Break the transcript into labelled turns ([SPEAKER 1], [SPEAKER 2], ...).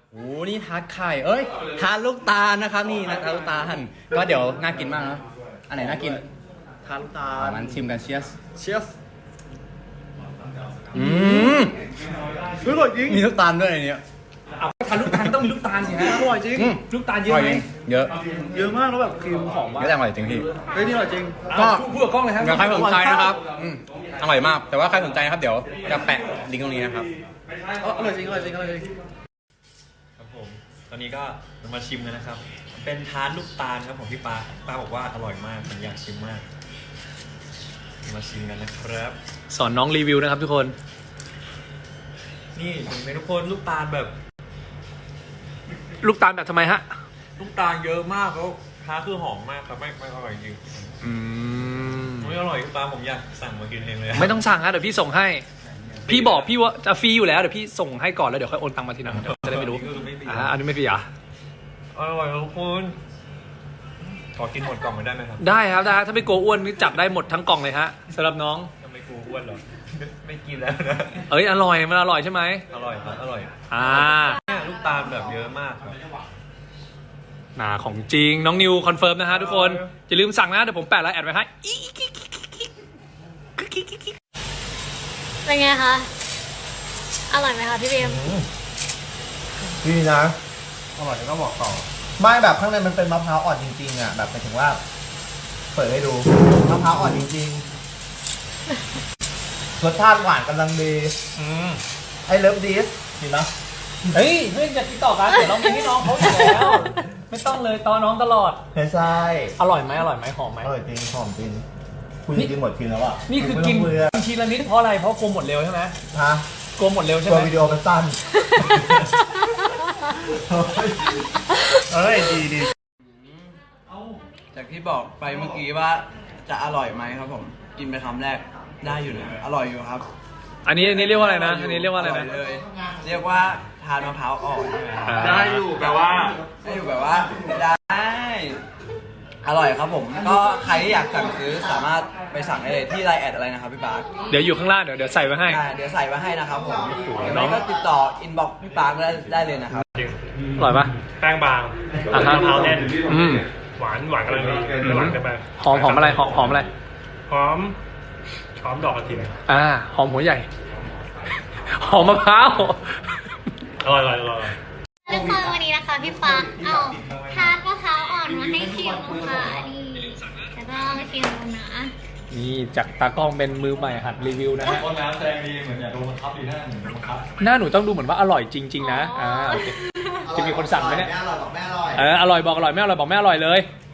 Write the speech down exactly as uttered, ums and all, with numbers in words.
[SPEAKER 1] โอ้นี่ทาร์ตไข่เอ้ยทาร์ตลูกตาลนะครับนี่นะทาร์ตลูกตาลก็เดี๋ยวน่ากินมากนะอันไหนน่ากิน
[SPEAKER 2] ทาลูกตาล
[SPEAKER 1] มันชิมกันเชียส
[SPEAKER 2] เชียส
[SPEAKER 1] อืม
[SPEAKER 2] อร่อยจริง
[SPEAKER 1] มีลูกตาลด้วยในนี้
[SPEAKER 3] เอาทานลูกตาลต้องมีลูกตาลสิฮะ
[SPEAKER 2] อร่อยจริง
[SPEAKER 3] ลูกตาลเยอะไหม
[SPEAKER 1] เยอะ
[SPEAKER 2] เยอะมากแล้วแบบครีมหอมมาก
[SPEAKER 1] เยอะแต่อร่อยจริงพี่
[SPEAKER 2] เฮ้ยนี่อร่อยจริง
[SPEAKER 1] ก็
[SPEAKER 3] พูดกับกล้องเลยครับ
[SPEAKER 1] ใครสนใจนะครับอร่อยมากแต่ว่าใครสนใจนะครับเดี๋ยวจะแปะลิงก์ตรงนี้นะครับ
[SPEAKER 2] อร่อยจริงอร่อยจริงอร่อยจริง
[SPEAKER 4] ครับผมตอนนี้ก็มาชิมกันนะครับเป็นทาร์ตลูกตาลครับผมพี่ปาปาบอกว่าอร่อยมากผมอยากชิมมากมาชิมกันนะครับ
[SPEAKER 3] สอนน้องรีวิวนะครับทุกคน
[SPEAKER 4] นี่เห็นไหมทุกคนลูกตาลแบบ
[SPEAKER 3] ลูกตาลแบบทำไมฮะ
[SPEAKER 4] ลูกตาลเยอะมากแล้วทาร์ตคือหอมมากแต่ไม่ไม่อร่อยจริง
[SPEAKER 3] อืม
[SPEAKER 4] ไม่อร่อยพี่ปาผมอยากสั่งมากินเองเลย
[SPEAKER 3] ไม่ต้องสั่งฮะเดี๋ยวพี่ส่งให้พี่บอกพี่ว่าจะฟรีอยู่แล้วเดี๋ยวพี่ส่งให้ก่อนแล้วเดี๋ยวค่อยโอนตังค์มาทีหลังจะได้ไม่รู้อ่าอันนี้ไม่ฟรีอ่ะ
[SPEAKER 4] อร่อยทุกคนขอกินหมดกล่องไม่ได้ไหมครับ
[SPEAKER 3] ได้ครับได้ถ้าไม่กลัวอ้วนนี่จับได้หมดทั้งกล่องเลยฮะสำหรับน้อง
[SPEAKER 4] จะไม่กลัวอ้วนหรอไม่กินแล้วนะ
[SPEAKER 3] เอ้ยอร่อยมันอร่อยใช่ไหม
[SPEAKER 4] อร่อยครับอร่อย
[SPEAKER 3] อ่า
[SPEAKER 4] เนี่ยลูกตาลแบบเยอะมากครับ
[SPEAKER 3] น่าของจริงน้องนิวคอนเฟิร์มนะฮะทุกคนอย่าลืมสั่งนะเดี๋ยวผมแปะไลน์แอดไว้ให้
[SPEAKER 5] เป็นไงคะอร่อยไหมคะพี่เบม
[SPEAKER 2] ดีนะอร่อยก็บอกต่อไม่แบบข้างในมันเป็นมะพร้าวอ่อนจริงๆอ่ะแบบหมายถึงว่าเปิดให้ดูมะพร้าวอ่อนจริงๆรสชาติหวานกำลังดีไอเลิฟดีสดีนะ
[SPEAKER 3] เฮ้ยเพื่อนจะติดต่อกันเดี๋ยวเรามีให้น้องเขาอยู่แล้วไม่ต้องเลยตอนน้องตลอด
[SPEAKER 2] ใช่
[SPEAKER 3] อร่อยไหมอร่อยไหมหอมไหม
[SPEAKER 2] อร่อยจริงหอมจริงคุณกินหมดกินแล้วอ่ะ
[SPEAKER 3] นี่คือกินทีละนิดเพราะอะไรเพราะกลัวหมดเร็วใช่ไหม
[SPEAKER 2] ฮะ
[SPEAKER 3] กลัวหมดเร็วใช่ไหม
[SPEAKER 2] ตัววิดีโอมันสั้นเฮ้ยดีดี
[SPEAKER 1] จากที่บอกไปเมื่อกี้ว่าจะอร่อยไหมครับผมกินไปคำแรกได้อยู่นะอร่อยอยู่ครับ
[SPEAKER 3] อันนี้อันนี้เรียกว่าอะไรนะอันนี้เรียกว่าอะไรนะ
[SPEAKER 1] เลยเรียกว่าทานมะพร้าวอ่อน
[SPEAKER 4] ได้อยู่แปลว่า
[SPEAKER 1] ได้อยู่แบบว่าได้อร่อยครับผมก็ใครที่อยากสั่งซื้อสามารถไปสั่งได้เลยที่ไลน์แอดอะไรนะครับพี่ปาร์ค
[SPEAKER 3] เดี๋ยวอยู่ข้างล่างเดี๋ยวเดี๋ยวใส่ไว้ให้
[SPEAKER 1] เดี๋ยวใส่ไว้ให้นะครับผมน้องก็ติดต่ออินบ็อกซ์พี่ปาร์คได้ได้เลยนะครับ
[SPEAKER 3] อร่อยปะ
[SPEAKER 4] แป้งบางมะพร้าวแน่นหวานหวานกำลังดีหวานกันไป
[SPEAKER 3] หอมหอมอะไรหอมหอมอะไร
[SPEAKER 4] หอมหอมดอกกระถิ่น
[SPEAKER 3] อ่าหอมหัวใหญ่หอมมะพร้าว
[SPEAKER 4] อร่อยอร่อยอร่อย
[SPEAKER 5] ทุกคนวันนี้นะคะพี่ปาร์คเอาทาร์ตมะพร้าวอ่อนมาให้ชิมนะคะนี่จะต้องชิมดูนะ
[SPEAKER 3] นี่จากตากล้องเป็นมือใหม่หัดรีวิวนะฮะ
[SPEAKER 4] คนน้ำแสดงดีเหมือนอยากโดนบังคับดีหน้าเหมือนโดนบังคับ
[SPEAKER 3] หน้าหนูต้องดูเหมือนว่าอร่อยจริงๆนะอ่าโอเคจะมีคนสั่งไหมเนี่ย
[SPEAKER 2] แม่อร่อยบอกแม่อร่อย
[SPEAKER 3] เอออร่อยบอกอร่อยไม่อร่อยบอกไม่อร่อยเลย